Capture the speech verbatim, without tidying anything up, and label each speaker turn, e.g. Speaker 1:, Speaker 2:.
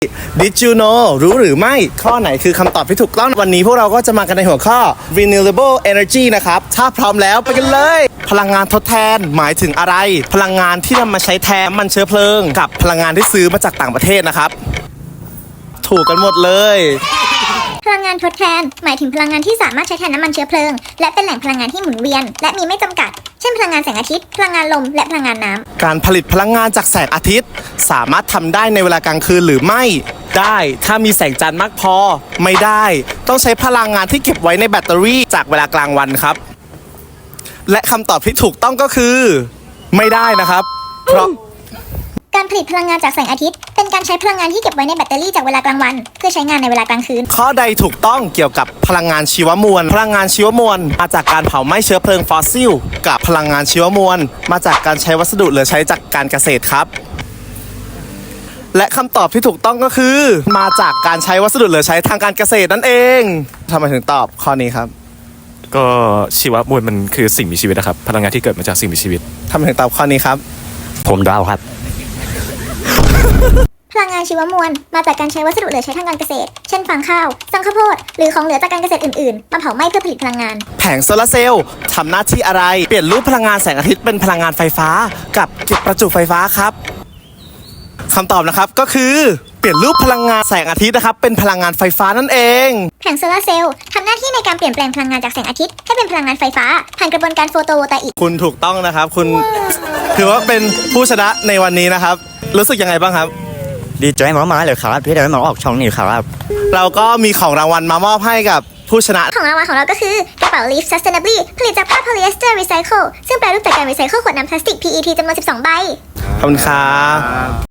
Speaker 1: Did you know รู้หรือไม่ข้อไหนคือคำตอบที่ถูกต้องวันนี้พวกเราก็จะมากันในหัวข้อ renewable energy นะครับถ้าพร้อมแล้วไปกันเลยพลังงานทดแทนหมายถึงอะไรพลังงานที่นำมาใช้แทนน้ำมันเชื้อเพลิงกับพลังงานที่ซื้อมาจากต่างประเทศนะครับถูกกันหมดเลย
Speaker 2: พลังงานทดแทนหมายถึงพลังงานที่สามารถใช้แทนน้ำมันเชื้อเพลิงและเป็นแหล่งพลังงานที่หมุนเวียนและมีไม่จำกัดเช่นพลังงานแสงอาทิตย์พลังงานลมและพลังงานน้ำ
Speaker 1: การผลิตพลังงานจากแสงอาทิตย์สามารถทำได้ในเวลากลางคืนหรือไม่ได้ถ้ามีแสงจันทร์มากพอไม่ได้ต้องใช้พลังงานที่เก็บไว้ในแบตเตอรี่จากเวลากลางวันครับและคำตอบที่ถูกต้องก็คือไม่ได้นะครับเพราะ
Speaker 2: การผลิตพลังงานจากแสงอาทิตย์เป็นการใช้พลังงานที่เก็บไว้ในแบตเตอรี่จากเวลากลางวันเพื่อใช้งานในเวลากลางคืน
Speaker 1: ข้อใดถูกต้องเกี่ยวกับพลังงานชีวมวลพลังงานชีวมวลมาจากการเผาไหม้เชื้อเพลิงฟอสซิลกับพลังงานชีวมวลมาจากการใช้วัสดุเหลือใช้จากการเกษตรครับและคำตอบที่ถูกต้องก็คือมาจากการใช้วัสดุเหลือใช้ทางการเกษตรนั่นเองทำไมถึงตอบข้อนี้ครับ
Speaker 3: ก็ชีวมวลมันคือสิ่งมีชีวิตนะครับพลังงานที่เกิดมาจากสิ่งมีชีวิต
Speaker 1: ทำไมถึงตอบข้อนี้ครับ
Speaker 4: ผมเดาครับ
Speaker 2: พลังงานชีวมวลมาจากการใช้วัสดุเหลือใช้ทางการเกษตรเช่นฟางข้าวสังข้าวโพดหรือของเหลือจากการเกษตรอื่นๆมาเผาไหม้เพื่อผลิตพลังงาน
Speaker 1: แผงโซลาร์เซลล์ทำหน้าที่อะไรเปลี่ยนรูปพลังงานแสงอาทิตย์เป็นพลังงานไฟฟ้ากับเก็บประจุไฟฟ้าครับคำตอบนะครับก็คือเปลี่ยนรูปพลังงานแสงอาทิตย์นะครับเป็นพลังงานไฟฟ้านั่นเอง
Speaker 2: แผงโซลาร์เซลล์ทำหน้าที่ในการเปลี่ยนแปลงพลังงานจากแสงอาทิตย์ให้เป็นพลังงานไฟฟ้าผ่านกระบวนการโฟโตโวลตาอิก
Speaker 1: คุณถูกต้องนะครับคุณถือว่าเป็นผู้ชนะในวันนี้นะครับรู้สึกยังไงบ้างครับ
Speaker 4: ดีใจมากๆเลยครับที่ได้มาออกช่องนี้ครับ
Speaker 1: เราก็มีของรางวัลมามอบให้กับผู้ชนะ
Speaker 2: ของรางวัลของเราก็คือกระเป๋า Leaf Sustainably ผลิตจากผ้า polyester recycle ซึ่งแปรรูปจากการรีไซเคิลขวดน้ำพลาสติก พี อี ที จำนวนสิบสองใบ
Speaker 1: ขอบคุณครับ